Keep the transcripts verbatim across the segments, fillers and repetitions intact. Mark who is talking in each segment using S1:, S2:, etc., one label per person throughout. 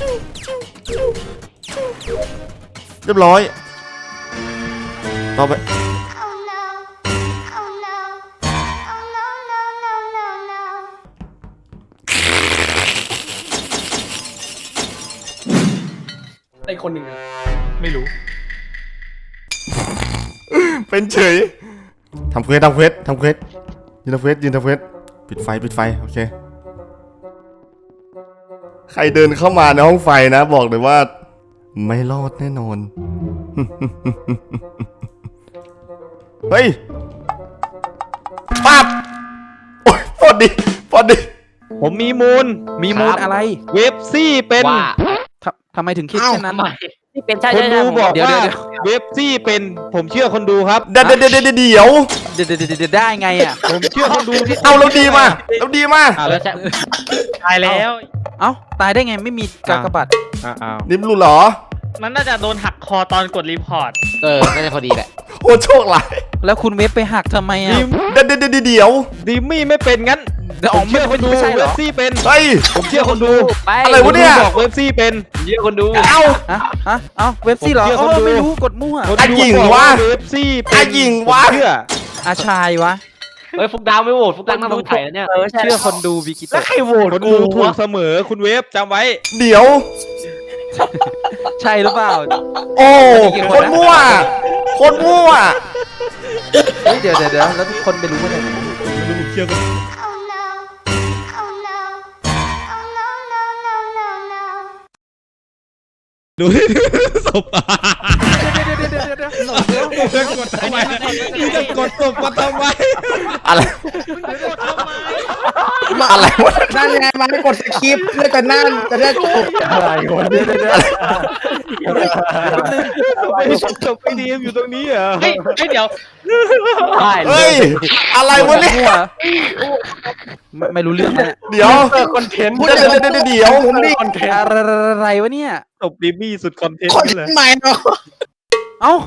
S1: เรียบร้อยต่อไป
S2: ไอคนหนึ่งไม่รู้
S1: เป็นเฉยทำเควสทำเควสทำเควสยืนทำเควสยืนทำเควสปิดไฟปิดไฟโอเคใครเดินเข้ามาในห้องไฟนะบอกเลยว่าไม่รอดแน่นอนเฮ้ยปั๊บโอ้ยพอดีพอดี
S3: ผมมีมูล
S4: มีมูลอะไร
S3: เว็บซี่เป็น
S4: ทำไมถึงคิดเช่นนั้น
S5: ที่เป็นใช่
S3: คนดูบอกว่าเว็บซี่เป็นผมเชื่อคนดูครับ
S1: เดี๋ยวเดี๋ยวเดี๋ยวเดี๋ยว
S4: เดี๋ยวเดี๋ยวได้ไงอ่ะ
S3: ผมเชื่อคนดูที่
S1: เอาเราดีมาเราดีมา
S5: ตายแล้ว
S4: เอ้าตายได้ไงไม่มีกากบาท
S3: อ้าว
S1: นิ่มรู้เหรอ
S5: มันน่าจะโดนหักคอตอนกดรีพอร์ต
S2: เออน่าจะพอดีแหละ
S1: โอ้โชคร้าย
S4: แล้วคุณเว็บไปหักทำไมอ่ะ
S1: เดี๋ยวเดี๋ยวเดี๋ยว
S3: ดิมมี่ไม่เป็นงั้นผมเชื่อคนดูเว็บซี่เป็น
S1: เฮ้ย
S3: ผมเชื่อคนดู
S1: อะไรวะเนี่ย
S3: บอกเว็บซี่เป็น
S5: เชื่อคนดู
S1: เอ้า
S4: ฮะฮะเอ้าเว็บซี่เหรอไม่รู้กดมั่ว
S1: อาหญิงวะ
S3: เว็บซี่
S1: อาหญิงวะ
S3: เชื่อ
S4: อาชายวะ
S5: เฮ้ยฟุกดาวไม่โหวตฟุกดาวน่าสงสัยแล้วเนี่ย
S4: เชื่อคนดูวิกิโต
S5: แล้วใครโหวต
S3: คนดูถูกเสมอคุณเว็บจำไว้
S1: เดี๋ยว
S4: ใช่หรือเปล่า
S1: โอ้คนมั่วคนมั่ว
S4: เดี๋ยวเดี๋ยวเดี๋ยวแล้วทุกคนไปรู้ว่าอะไร
S3: เชื่อกันดูศพจะกดทำไมจะกดศพมาทำไม
S1: อะไรมาอะไรวะ
S2: นั่นไงมาให้กดสคริปต์เพื่อจะนั่นจะได้จบอะไรวะเนี่ย
S3: จบไปดีอยู่ตรงนี้เหรอ
S5: เฮ้ยเดี๋ยว
S1: เฮ้ยอะไรวะเนี่ย
S4: ไม่รู้เรื่องนะ
S1: เดี๋ยว
S2: คอนเทนต์
S1: เดี๋ยวเดี๋ยวเดี๋ยว
S2: ผมนี่คอนเทนต์
S4: อะไรวะเนี่ย
S3: จบดิมมี่สุดคอนเทนต์เลย
S2: ใหม่เนาะ
S4: เอ้า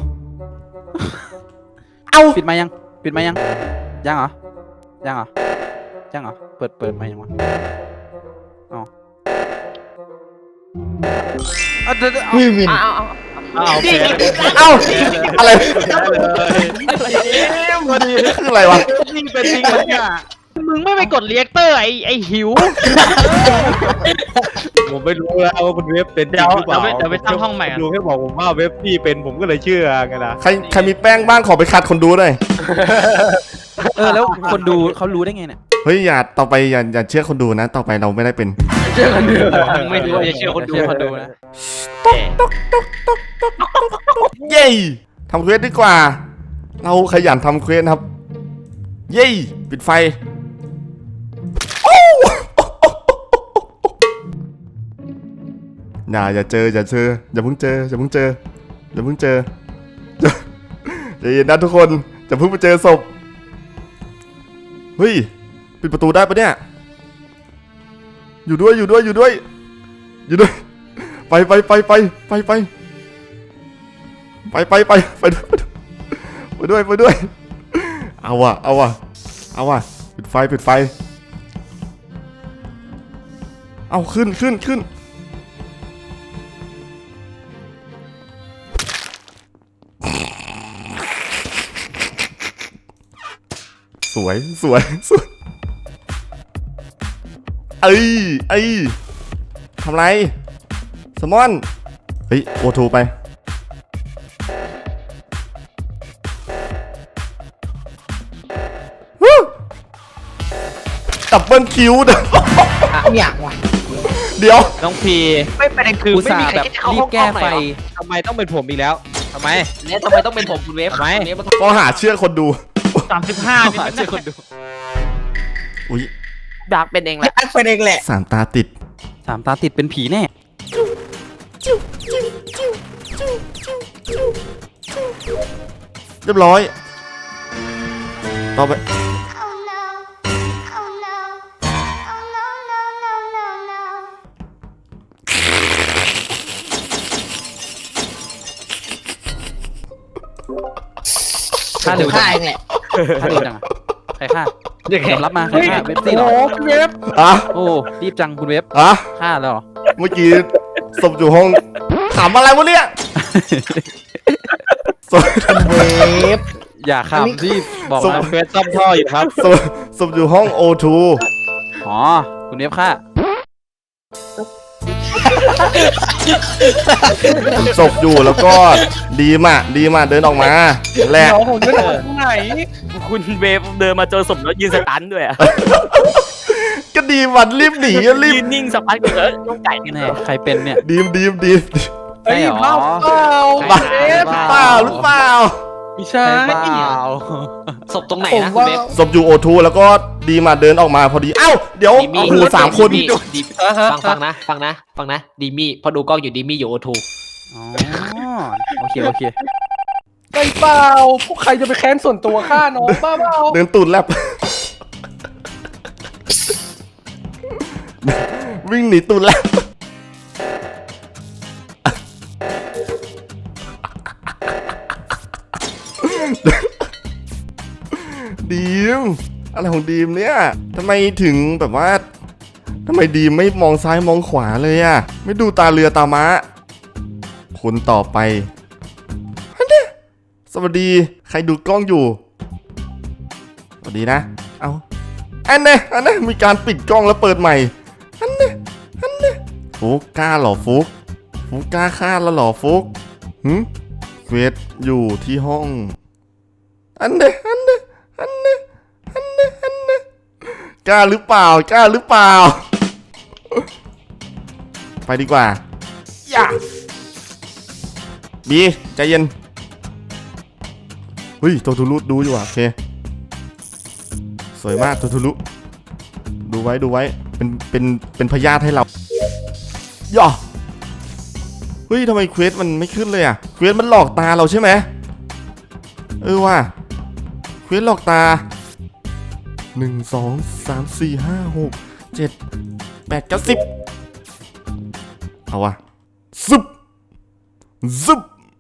S1: เอ้า
S4: ปิดมายังปิดมายังยังเหรอยังเหรอยังเหรอเปิดเปิดมายังวะอ๋อเอาเดี๋ยวเอา
S2: วิน
S5: เอา
S3: เอา
S1: เอาอะไรคืออะไรวะ
S3: จริงเป็นจริงเลยเนี่ย
S5: มึงไม่ไปกดเรียกเตอร์ไอไอหิว
S3: ผมไม่รู้แล้วว่าคุณเว็บเป็นจริงหรือเปล่า
S5: เดี๋ยวไปตั้งห้องใหม่
S3: ดูแค่บอกผมว่าเว็บพี่เป็นผมก็เลยเชื่อไงล่ะ
S1: ใครใครมีแป้งบ้างขอไปคัดคนดูหน่อย
S4: เออแล้วคนดูเขารู้ได้ไงเนี่ย
S1: เฮ้ยอย่าต่อไปอย่าอย่าเชื่อคนดูนะต่อไปเราไม่ได้เป็น
S5: เชื่อคนดูไม่รู้อย่าเชื่อคนดู
S4: คนดูนะ
S1: เย้ทำเควสดีกว่าเราขยันทำเควสครับเย้ปิดไฟอย่าอย่าเจออย่าเจออย่าเพิ่งเจออย่าเพิ่งเจออย่าเพิ่งเจออย่าเย็นนะทุกคนจะเพิ่งไปเจอศพเฮ้ยปิดประตูได้ปะเนี่ยอยู่ด้วยอยู่ด้วยอยู่ด้วยอยู่ด้วยไปไปไปไปไปไปไปไปไปไปไปด้วยไปด้วยเอาว่ะเอาว่ะเอาว่ะปิดไฟปิดไฟเอาขึ้นขึ้นขึ้นสวยสวยสวยเอ้ยเอ้ยทำไรสมอนเฮ้ยโอทูไปดับเบิลคิวเด้อ
S2: เนี่ยว่ะ
S1: เดี๋ยว
S3: น้องพี
S5: ไม่ประเด็นคือไม่มีใครที่เข้าห้องแก้ไฟ
S3: ทำไมต้องเป็นผมอีกแล้วทำไม
S5: เนี่ยทำไมต้องเป็นผมคุณเวฟ
S3: ทำไม
S1: ก็หาเชื่อคนดู
S5: สามสิบห้า
S4: หาเชื่อคนดู
S1: อุ้ย
S5: ดักเป็นเองแหละ
S2: ดักเป็นเองแหละ
S1: สามตาติด
S4: สามตาติดเป็นผีแน่
S1: เรียบร้อยต่อไป
S4: ฆ่าเร็ว
S2: ฆ่าเองแหละ
S4: ฆ่าเร็วจังใครฆ่ายอมรับมาใครฆ่าเว็บซี่เหรอ
S2: เว็บ
S1: อ่ะ
S4: โอ้รีบจังคุณเว็บ
S1: อ่ะ
S4: ฆ่าแล้วเหรอ
S1: เมื่อกี้ศพอยู่ห้องถามอะไรวะเนี่ยศพ
S2: เวฟ
S4: อย่า
S2: อันนี้
S4: ขำที่บอก
S1: ส่ง
S4: มา
S3: เควสซ่อมท่ออยู่ครับ
S1: ศพศพอยู่ห้องโอทู
S4: อ๋อคุณเอฟค่ะ
S1: ศพอยู่แล้วก็ดีมอ่ะดีมอ่ะเดินออกมาแหละ
S5: เดี๋ยวผมจะทำไหน คุณเวฟเดินมาเจอศพแล้วยืนสตันด้วยอะ
S1: ก็ดีมันรีบหนีอะรีบ
S5: ยืนนิ่งสักพักหนึ่งแล้วต้องไก่เนี่ย
S4: แน่ใครเป็นเนี่ย
S1: ดีมดีมดีม
S4: ใช่เหรอ
S1: บ้าเปล่าหรือเปล่า
S5: ไม่ใช่
S4: ใช่เปล่า
S5: ศพตรงไหน
S2: ผม
S5: นะคุณ
S2: ว่า
S5: เวฟ
S1: ศพอยู่โอทูแล้วก็ดีมาเดินออกมาพอดีเอ้าเดี๋ยว
S5: ดีมี่
S1: โอ้โหสามคน
S5: ดีดีฟังฟังนะ ฟังนะ ฟังนะ ดีมี่พอดูกล้องอยู่ดีมี่อยู่โอทู
S4: อ๋อโอเคโอเค
S6: ไม่เปล่าพวกใครจะไปแค้นส่วนตัวฆ่าน้องบ้าเปล่า
S1: เดินตูดแลบ วิ่งหนีตูดแลบ ดีมอะไรของดีมเนี่ยทำไมถึงแบบว่าทำไมดีมไม่มองซ้ายมองขวาเลยอะไม่ดูตาเรือตาม้าคนต่อไปอันเนี้ยสวัสดีใครดูกล้องอยู่สวัสดีนะเอาอันเนี้ยอันเนี้ยมีการปิดกล้องแล้วเปิดใหม่อันเนี้ยอันเนี้ยฟุกกล้าเหรอฟุกฟุกกล้าฆ่าแล้วเหรอฟุกหืมเควสอยู่ที่ห้องอันเนี้ยอันเนี้ยอันเนี้ยอันเนี้ยอันเนี้ยกล้าหรือเปล่ากล้าหรือเปล่า ไปดีกว่าอย่าบีใจเย็นเฮ้ยโททูรุดูอยู่อ่ะโอเคสวยมากโททูรุดูไว้ดูไว้เป็นเป็นเป็นพยาธิให้เราย่อเฮ้ยทำไมเควสมันไม่ขึ้นเลยอ่ะเควสมันหลอกตาเราใช่ไหมเออว่ะเควสหลอกตาหนึ่งสองสามสี่ห้าหกเจ็ดแปดเก้าสิบเอาวะซึบซึบ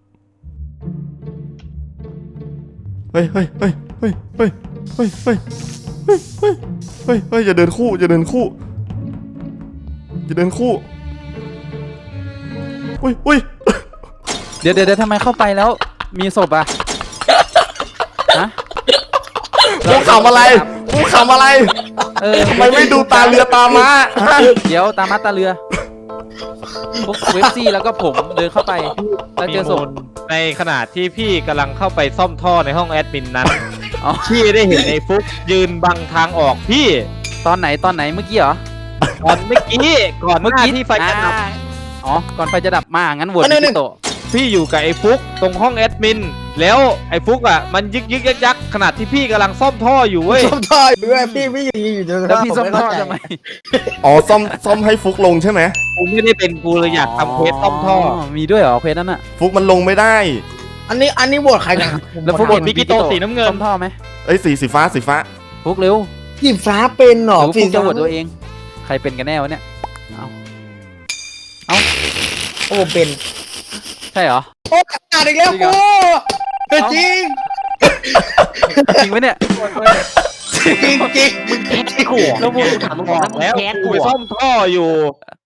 S1: เฮ้ยเฮ้ยเฮ้ยเฮ้ยเฮ้ยเฮ้ยเฮ้ยเฮ้ยเฮ้ยเฮ้ยเฮ้ยอย่าเดินคู่อย่าเดินคู่อย่าเดินคู่อุ้ยอุ้ย
S4: เดี๋ยวเดี๋ยวเดี๋ยวทำไมเข้าไปแล้ว มีศพอ่ะฮะ
S1: กูขำอะไรกูขำอะไร
S4: เออ
S1: ทำไมไม่ดูตาเรือตาม้าฮะ
S4: เดี๋ยวตามมาตาเรือพวกเวฟซี่แล้วก็ผมเดินเข้าไปแล้วเจอศพ
S3: ในขณะที่พี่กำลังเข้าไปซ่อมท่อในห้องแอดมินนั้น
S4: อ๋อ
S3: พี่ได้เห็นไอ้ฟุกยืนบังทางออกพี่
S4: ตอนไหนตอนไหนเมื่อกี้เหรอ
S3: ก่อนเมื่อกี้ก่อน
S4: เมื่อ
S3: หน้า
S4: กี้
S3: ที่ไฟจะดับ
S4: อ่าอ๋อก่อนไฟจะดับมางั้นโหวต
S2: อันนั้น
S4: พี่โตะ
S3: พี่อยู่กับไอ้ฟุกตรงห้องแอดมินแล้วไอ้ฟุกอ่ะมันยึกยึกยักยักขณะที่พี่กำลังซ่อมท่ออยู่เว้ย
S2: ซ่อมท่ออยู่ด้วยพี่พี่อยู่อยู่อยู่
S4: แล้วพี่ซ่อมท่อทำไม
S1: อ๋อซ่อมซ่อมให้ฟุกลงใช่ไหม
S3: กูไม่ได้เป็นกูเลยอยากทำเควสซ่อมท่อ
S4: มีด้วยเหรอเพจนั้นอ่ะ
S1: ฟุกมันลงไม่ได้
S2: อันนี้อันนี้โหวตใครกัน
S4: แล้วฟุก
S3: โหวตพี่กิโตสีน้ำเงิน
S4: ซ่อมท่อไหม
S1: เอ้ยสีสีฟ้าสีฟ้า
S4: ฟุกเร็ว
S2: สีฟ้าเป็นเหรอ
S4: หรือฟุกจะโหวตตัวเอง ใครเป็นกันแน่วะเนี่ยเอา
S2: โอ้เป็น
S4: ใช่เหรอ
S2: โอ้ขาดอีกแล้วกูจริง
S4: จริงไหมเนี่ย
S2: จริงจริง
S5: มึงแค้นไอ้ขู่แล้วมึงถามมึง
S3: บอกแล้วกูไปซ่อมท่ออยู่